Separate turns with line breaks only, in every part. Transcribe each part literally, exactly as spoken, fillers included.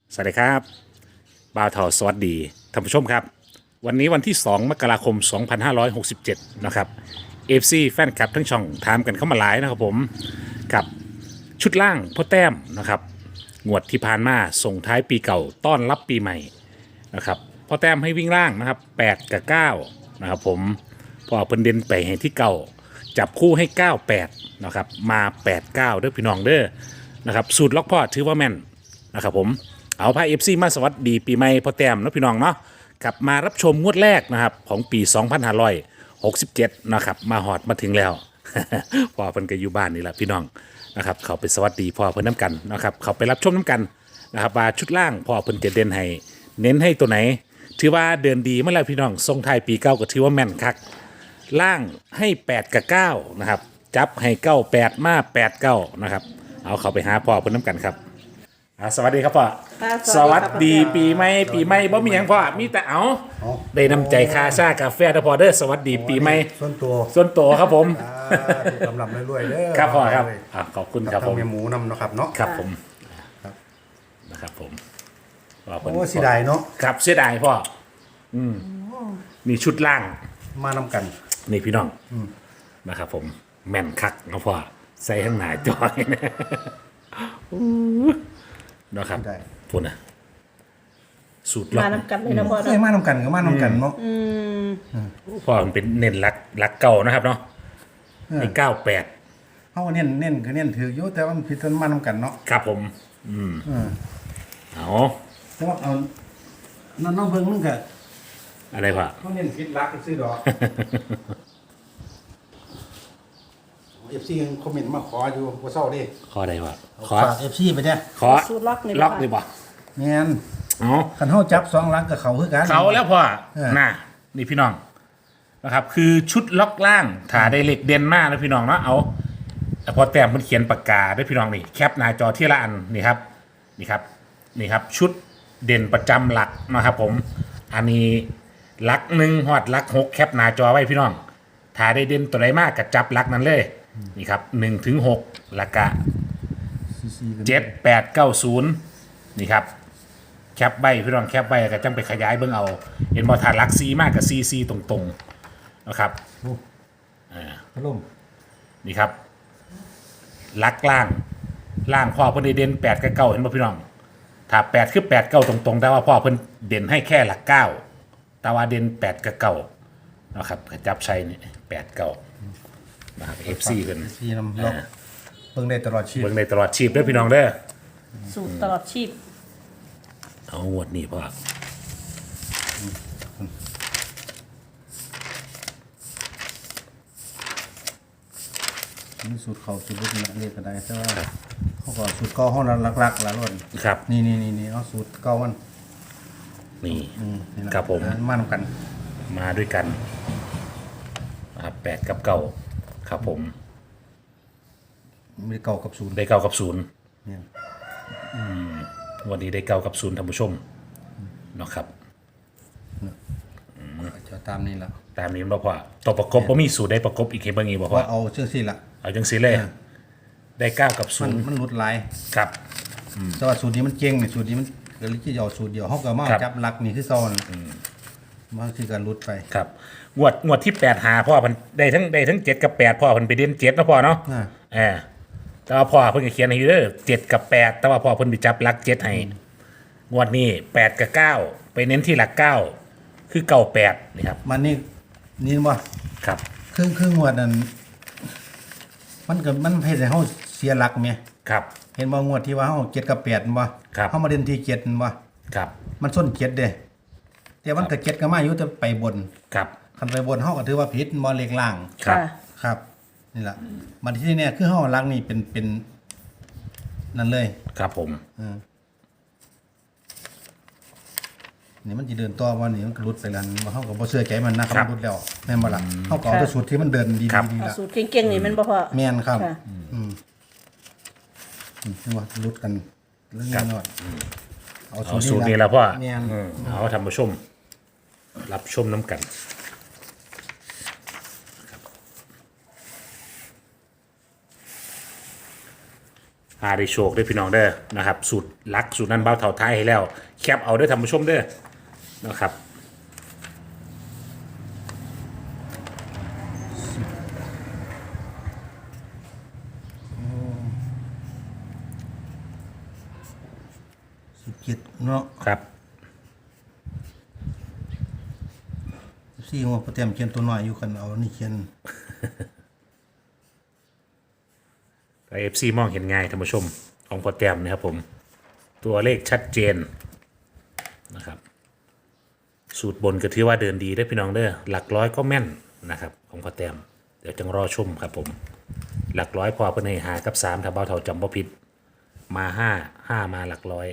สวัสดีครับบ่าวเถาสวัสดีท่านผู้ชมครับวันนี้วันที่สองมกราคมสองพันห้าร้อยหกสิบเจ็ดนะครับเอฟซีแฟนคลับทั้งช่องถามกันเข้ามาหลายนะครับผมกับชุดล่างพ่อแต้มนะครับงวดที่ผ่านมาส่งท้ายปีเก่าต้อนรับปีใหม่นะครับพ่อแต้มให้วิ่งล่างนะครับแปดกับเก้านะครับผมพอเพิ่นเด่นไปให้ที่เก่าจับคู่ให้เก้า แปดนะครับมาแปด เก้าเด้อพี่น้องเด้อนะครับสูตรล็อกพ่อถือว่าแม่นนะครับผม เอาพาเอฟซีมาสวัสดีปีใหม่พ่อแต้มนะพี่น้องเนาะกลับมารับชมงวดแรกนะครับของปีสองพันห้าร้อยหกสิบเจ็ดนะครับมาหอดมาถึงแล้ว พ่อเพิ่นก็อยู่บ้านนี่แหละพี่น้องนะครับเขาไปสวัสดีพ่อเพิ่นน้ำกันนะครับเขาไปรับชมน้ำกันนะครับว่าชุดล่างพ่อเพิ่นจะเด่นให้เน้นให้ตัวไหนถือว่าเดินดีเมื่อไรพี่น้องทรงไทายปีเก้าก็ถือว่าแม่นคักล่างให้แปดกับเก้านะครับจับให้เก้าแปดมาแปดเก้านะครับเอาเขาไปหาพ่อเพิ่นน้ำกันครับอ่าสวัสดีครับพ่อ
ค่ะ
สวัสดี
ครับ
ปีใหม่ปีใหม่บ่มีหยังพ่อมีแต่เอา
เอา
ได้นำใจคาชากาแฟนะพ่อเด้อสวัสดีปีใหม่
ส่วนตัว
ส่วนตัวครับผม
อ่าถูกกำลังรวยๆเด้อ
ครับพ่อครับ
เลย
อ่ะขอบคุณ
กั
ครับ
บ
ผ
ทาง
ม
เมียหมูนำเนาะครับเนาะ
ครับผม
ครับ
นะครับผมว่าเพิ่น
โอ้เสียดายเนาะ
ครับเสียดายพ่ออืมนี่ชุดล่าง
มานำกัน
นี่พี่น้องนะครับผมแม่นคักนะพ่อใส่ข้างหน้าจอยนะอู้นะครับ
ได้
พูดนะสูตรล็อ
มาก น้ำกันเลยนะพ่อ
เคย
เนาะ
มานำกันก็มานำกันเนาะ
อืม
พ่อมันเป็นเน้นรักรักเก่านะครับเนาะในเก้าแปด
เฮาเน้นเน้นก็เน้นถืออยู่แต่ว่ามันผิดกันมานำกันเนาะ
ครับผม อืม
เออ
เอา
แต่ว่าเอาน้องน้องเบิ่งนึงก็
อะไรพ่อ
เฮาเน้นผิดรักซื้อดอก เอฟ ซี คอมเมนต์มาขออยู่บ่เซาเด้
ขออะไรพ่อขอ
ฝาก เอฟ ซี ไปเด้อ
ขอ
สูตรล็อกนี่
ล็อกเลยบ่
แม่น
เอา
คันเฮาจับสองหลังกับเขาคือกัน
เขาแล้วพ่อ
เออ
น่ะนี่พี่น้องนะครับ คือชุดล็อกล่างถ่าได้เหล็กเด่นมากนะพี่น้องเนาะเอาแต่พอแต้มมันเขียนปากกาด้วยพี่น้องนี่แคปหน้าจอที่ละอันนี่ครับนี่ครับนี่ครับ ชุดเด่นประจำหลักนะครับ ผม อันนี้หลักหนึ่งหอดหลักหกแคปหน้าจอไว้พี่น้องถ่าได้เด่นตัวไหนมากกับจับหลักนั้นเลยนี่ครับหนึ่งถึงหกหลักกะ
ซีๆกัน
เจ็ดแปดเก้าศูนย์นี่ครับแคปใบพี่น้องแคปใบก็จังไปขยายเบิ่งเอา เห็นบอถาดลักซีมากกับซีซีตรงๆนะครับ
พัดลม
นี่ครับลักล่างล่างพ่อเพิ่นได้เด่นแปดกับเก้าเห็นบ่พี่น้องถ้าแปดคือแปดเก้าตรงๆแต่ว่าพ่อเพิ่นเด่นให้แค่หลักเก้าแต่ว่าเด่นแปดกับเก้านะครับก็จับใช้นี่แปดเก้านะครับเอฟซีเพิ่น
ซีนำล็อกเบิ่งได้ตลอดชีพ
เบิ่งในตลอดชีพเด้อพี่น้องเด้อ
สูตรตลอดชีพ
เอางวดนี้พ่อ
มีสูตรเขาสูตรรุ่นเรียกก็ได้แต่ว่าเขาก็สูตรเก่าห้องนั้นหลักๆหละล้วน
ครับ
นี่นี่นี่นี่เอาสูตรเก่ามัน
นี่
อืมนี่ล่ะ
ครับผม
อันมานำกัน
มาด้วยกันนะครับแปดกับเก้าครับผม
มีเก่ากับศูนย์
ได้เก้ากับศูนย์
เนี่ย
วันนี้ได้เก้ากับศูนย์ท่านผู้ชมเนาะครับ
จะตามนี้ละ
ตามนี้มันบ่พอตัวประกบบ่มีสูตรได้ประกบอีกเห็นบ่งี้บ่พอ
ว่าเอาเชื่อสิละ
เอาจังซี่เลย ได้เก้ากับศู
มัน
นย์
มันหลุดหลาย
ครับ
แต่ว่าสูตรนี้มันเก่งนี่สูตรนี้มันก็เลยที่จะเอาสูตรเดียวเขาก็มา
ครับ
จับหลักนี่คือซ้อนมันคือการหลุดไป
ครับงวดงวดที่แปดหาพ่อเพิ่นได้ทั้งได้ทั้งเจ็ดกับแปดพ่อเพิ่นไปเด่นเจ็ดเนาะพ่อเนาะ
อ่า
เออแต่ว่าพ่อเพิ่นก็เขียนให้อยู่เด้อเจ็ดกับแปดแต่ว่าพ่อเพิ่นไปจับหลักเจ็ดให้งวดนี้แปดกับเก้าไปเน้นที่หลักเก้าคือเก้าแปดนี่ครับ
มันนี่นี่ว่า
ครับ
ครึ่งครึ่งงวดนั้นมันก็มันเฮ็ดให้เฮาเสียหลักแม่
ครับ
เห็นบ่งวดที่ว่าเฮาเจ็ดกับแปดบ่
ครับ
เฮามาเด่นที่เจ็ดบ่
ครับ
มันส้นเจ็ดเด้แต่มันก็เจ็ดก็มาอยู่แต่ไปบน
ครับ
คันไปบนเฮาก็ถือว่าผิดบ่เลขล่าง
ครับ
ค่ะ
ครับ นี่ล่ะมันที่เนี่ยคือเฮาหลักนี่เป็นเป็นนั่นเลย
ครับผม
เออนี่มันสิเดินต่อว่านี่มันก็หลุดไปแล้วบ่เฮาก็บ่เชื่อใจมันนะค
ครั
รับบ หลุดแล้วแม่นบ่ล่ะเฮาก็เอาแต่สูตรที่มันเดินดี
ครับ
ๆนี่
เอา
ล่ะ
สูตรเก่งๆนี่แมันบ่พอ
แม่นครับ
ค่ะ
อืมอืมเห็นว่าหลุดกันเรื่องนี้นอดเอา
เอาสูตรนี้แล้วพ่อ
แม่น
อืมเอาท่านผู้ชม รับชมน้ำกัน อหาได้โชคได้พี่น้องเด้อนะครับสูตรลักสูตรนั้นเบาเท่าท้ายให้แล้วแคปเอาเด้อท่านผู้ชมเด้อนะครับ
สิบเจ็ดเนาะ
ครับ
สิบสี่หัวโปรแกรมเขียนตัวน้อยอยู่กันเอานี่เขียน
เอฟซีมองเห็นง่ายท่านผู้ชมของโปรแกรมนะครับผมตัวเลขชัดเจนนะครับสูตรบนก็ถือว่าเดินดีได้อพี่น้องเด้อหลักร้อยก็แม่นนะครับของโปรแกรมเดี๋ยวจังรอชมครับผมหลักร้อยพอเพิ่นให้หากับสามถ้าเบาเท่าจำบ่ผิดมาห้าห้ามาหลักร้อย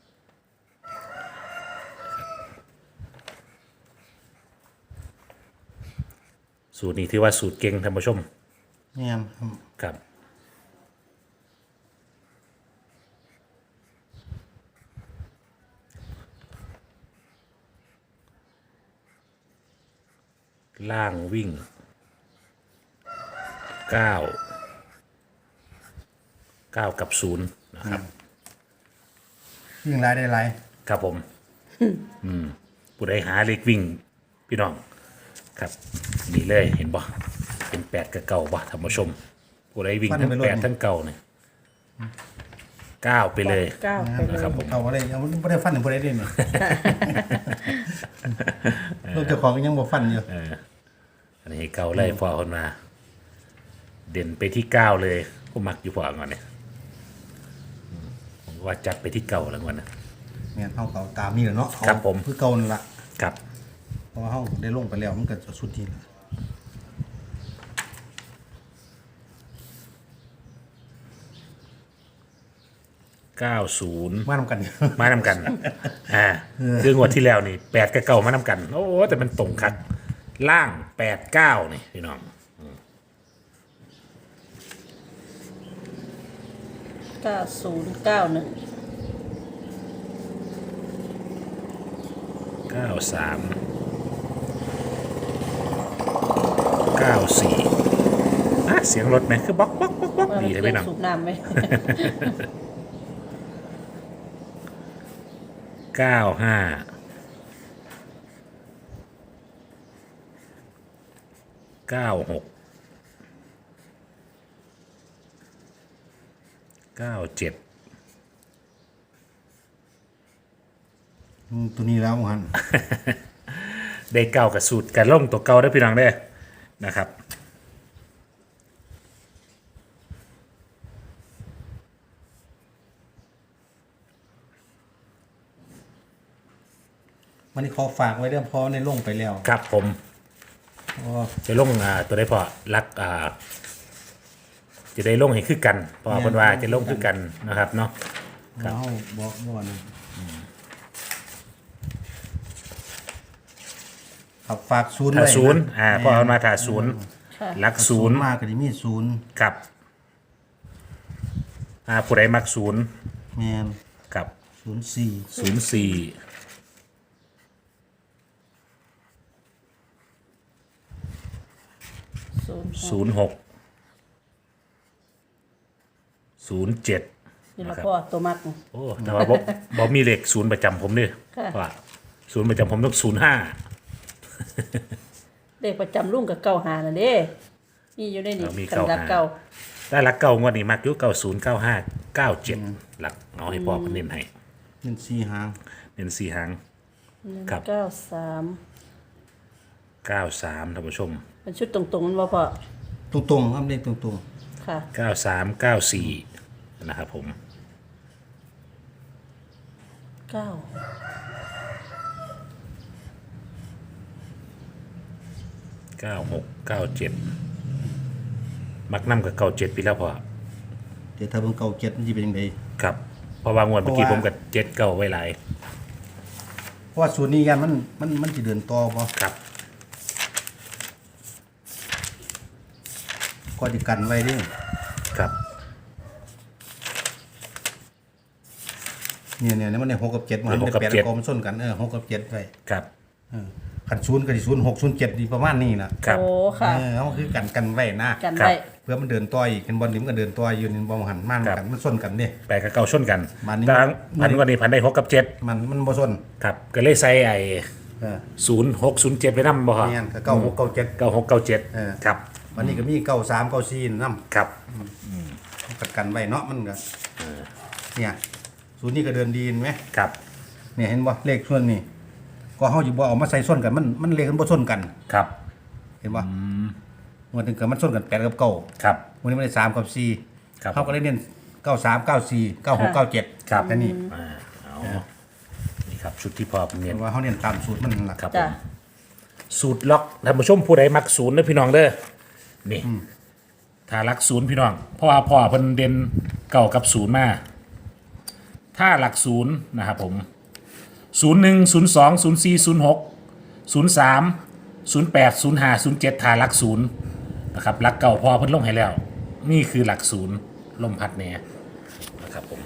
สูตรนี้ถือว่าสูตรเก่งท่านผู้ชม
แม่นครับ
ครับล่างวิ่งเก้าเก้ากับศูนย์นะครับ
ยิ่งรายได้หลาย
ครับผม อืมผู้ใดหาเลขวิ่ง พี่น้อง ครับ นี่เลยเห็นบ่เป็นแปดกับเก่าบ่ท่านผู้ชม ผู้ใดวิ่งทั้งแปดทั้งเก่าเนี่ยเก้าไปเลย
เก้าไปเลย
นะครับผม
เอาอะไรเอาบ่ได้ฟันบ่ได้เด้นี่ ลูกเจ้าของก็ยังบ่ฟันอยู่
อันนี้เก่าไล่พอคนมา เด่นไปที่เก้าเลยผมมักอยู่พอก่อนเนี่ยอืมผมว่าจัดไปที่เก่าแล้วก่อนนะ
แม่นเฮาก็เอาตามนี่แหละเนาะ
ครับผม
เอาคือเก่านั่นล่ะ
ครับ
เพราะว่าเฮาได้ลงไปแล้วมันก็จะสุดที่ละ
เก้าศูนย์
มานำกัน
มานำกัน อ่า คืองวดที่แล้วนี่แปดกับเก้ามานำกัน โอ้ แต่มันตรงคัดล่างแปดเก้านี่พี่น้อง
เก้าศูนย์เก้าหนึ่ง
เก้าสาม เก้าสี่อ่ะเสียงรถไหมคือบ๊อกบ๊อกบ๊อกบ๊อกดีเลยพี่น้อง
สูบน้ำไหม
เก้าห้า เก้าหก เก้าเจ็ด
อืมตัวนี้แล้วหัน
ได้เก้ากับสูตรกันล่งตัวเก่าได้อพี่น้องได้อนะครับ
วันนี้ขอฝากไว้เรื่องเพราะในลงไปแล้ว
ครับผม
อ๋อ
จะลงอ่าตัวได้พอรักอ่าจะได้ลงให้คือกันเพอคนว่าจะลงคือกันนะครับเนาะ ครับ
เฮาบอกบ่ว่านะครับฝากศูนย์
ถ้า
ไว้ะ
ศูนย์อ่าพอเอามาถ้าศูนย์
ค่ะ
รักศูนย์
มากก็สิมีศูนย์
ครับอ่าผู้ใดมักศูนย์
แม่น
กับ
ศูนย์สี่
ศูนย์สี่
ศูนย์
ศูนย์หก ศูนย์เจ็ด
นี่ละพ่อตัวมัก
โอ้แต่ว่าบ่บ่มีเลขศูนย์ประจำผมเนี่ย
ค่ะ
ว่าศูนย์ประจำผมต้องศูนย์ห้า
เลขประจำรุ่งกับเก้าหาน่ะเด้มีอยู่ในนี้
มี
กันรัก
เก้าหา
เก้า
ได้หลักเก่างวดนี้มักอยุเก้าศูนย์เก้าห้าเก้าเจ็ดหลักเอาให้พ่อเน้นให้
เงินสี่หาง
เน้นสี่หาง
หนึ่ง
ครับ
เก้าสาม
เก้าสามท่านผู้ชม
เป็นชุดตรงๆมันบ่พ่อ
ตรงๆครับเลขตรง
ค่ะ
เก้าสามเก้าสี่นะครับผม
เก้า
เก้าหกเก้าเจ็ดมักน้ำกับเก้าเจ็ดปีแล้วพอ
ๆเดี๋ยวถ้าเบิ่งเก่าเจ็ดมันสิเป็นจังได
ครับเพราะว่างวดเมื่อกี้
เพ
ผ
ราะ
ม
ว่า
กับเจ็ดเก้าไว้หลาย
เพราะว่าศูนย์นี้ยันมันมันมันสิเดินต่อบ่
ครับ
ก็สิกันไว้เด้
ครับ
เนี่ยเนี่ยมันได้หกกับเจ็ดมัน
หก
ได้
กับ
แปด
เจ็ด
กอมันส้นกันเออหกกับเจ็ดไว้
ครับ
เออคันศูนย์ก็สิศูนย์หกศูนย์เจ็ดนี่ประมาณนี้น่ะ
ครับ
โอ้ค่ะ
เออเอาคือกันกันไว้นะ
กัน
ครับ
ได้
พื่อมันเดินต่อยอีกเห็นบอลนี่มันก็เดินต่อยอยู่นี่บอลหันมานกันมันส้นกันนี่
แปดกับเก้าชนกัน
มันนี่
ทางพันวันนี้พันได้หกกับเจ็ด
มันมันบ่ส้น
ครับก็เลยใส่ไอ้
เออ
ศูนย์หกศูนย์เจ็ดไปนำบ่ฮะ
แม่นก็เก้าหกเก้าเจ็ด
เก้าหกเก้าเจ็ด
เออ
ครับ
วันนี้ก็มีเก้าสามเก้าสี่นำ
ครับ
ประกันไว้เนาะมันก็เนี่ยศูนย์นี่ก็เดินดีเห็นไหม
ครับ
เนี่ยเห็นบ่เลขส่วนนี้ก็เฮาสิบ่เอามาใส่ส้นกันมันมันเลขมันบ่ส้นกัน
ครับ
เห็นบ่มันถึงกับมันส้นกันแปดกับเก้า
ครับ
วันนี้มันได้สามกับสี่
ครับ
เขาก็เลยเน้นเก้าสามเก้าสี่เก้าหกเก้าเจ็ด
ครับ
แค่นี้
อ่าเอานี่ครับชุดที่พอเป็นเนียน
เพราะว่าเขาเน้นตามสูตรมันนั่นล่ะ
ครับผ
จ้ะ
มสูตรล็อกท่านผู้ชมผู้ใดมักศูนย์นะพี่น้องเด้อนี่ถ้ารักศูนย์พี่น้องเพราะว่าพ่อเพิ่นเด่นเก่ากับศูนย์มาถ้าหลักศูนย์นะครับผมศูนย์หนึ่งศูนย์สองศูนย์สี่ศูนย์หกศูนย์สามศูนย์แปดศูนย์ห้าศูนย์เจ็ดถ้าหลักศูนย์นะครับหลักเก่าพ่อเพิ่นลงให้แล้ว นี่คือหลักศูนย์ลมพัดเนี่ยนะครับผม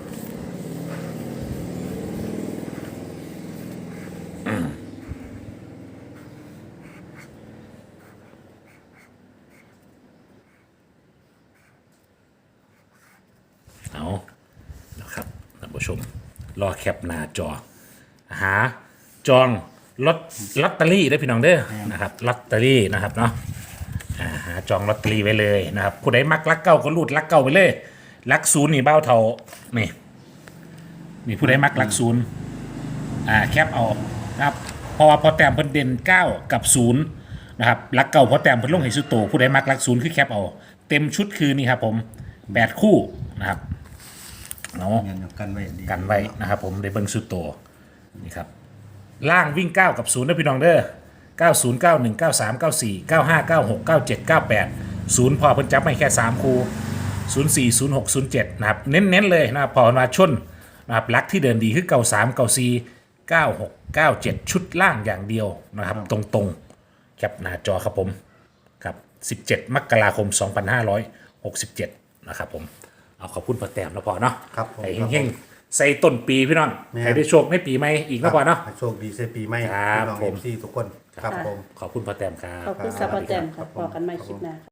เอานะครับท่านผู้ชม รอแคปหน้าจอ หาจองลอตลอตเตอรี่ได้พี่น้องเด้อนะครับลอตเตอรี่นะครับเนาะอ่าหาจองลอตเตอรี่ไว้เลยนะครับผู้ใดมักลักเก้าก็รูดลักเก้าไปเลยลักศูนย์นี่เบ้าเท่านี่นี่ผู้ใดมักลักศูนย์อ่าแคปเอานะครับเพราะว่าพอแต้มเพิ่นเด่นเก้ากับศูนย์นะครับลักเก้าพอแต้มเพิ่นลงให้สุดโตผู้ใดมักลักศูนย์คือแคปเอาเต็มชุดคือนี่ครับผมแปดคู่นะครับเนาะ
เน้นกันไว้ดี
กันไว้นะครับผมในเบิ้งสุดโตนี่ครับล่างวิ่งเก้ากับศูนย์นะพี่น้องเด้อเก้า ศูนย์ เก้า หนึ่ง เก้า สาม เก้า สี่ เก้า ห้า เก้า หก เก้า เจ็ด เก้า แปด ศูนย์พอเพิ่นจับไม่แค่สามคู่ศูนย์ สี่ ศูนย์ หก ศูนย์ เจ็ดนะครับเน้นๆเลยนะครับพอมาชนนะครับลักที่เดินดีคือเก้า สาม เก้า สี่ เก้า หก เก้า เจ็ดชุดล่างอย่างเดียวนะครับตรงๆแคปหน้าจอครับผมครับสิบเจ็ดมกราคมสองพันห้าร้อยหกสิบเจ็ดนะครับผมเอาขอบคุณพอแต้มแล้วพอเนาะ
ครับผม
ไอ้เฮงๆใส่ต้นปีพี่น้อง
แม่
ให้ได้โชคในปีใหม่อีกแล้วพอเนาะ
ให้โชคดีเซปีใหม่
ครับ
พี่น้อง
ผ
เอ
ม
ฟซีทุกคนครับผม
ขอบคุณพอแต้มครับ
ขอบคุณสัพพะแจมค่ะพอกันใหม่คลิปหน้า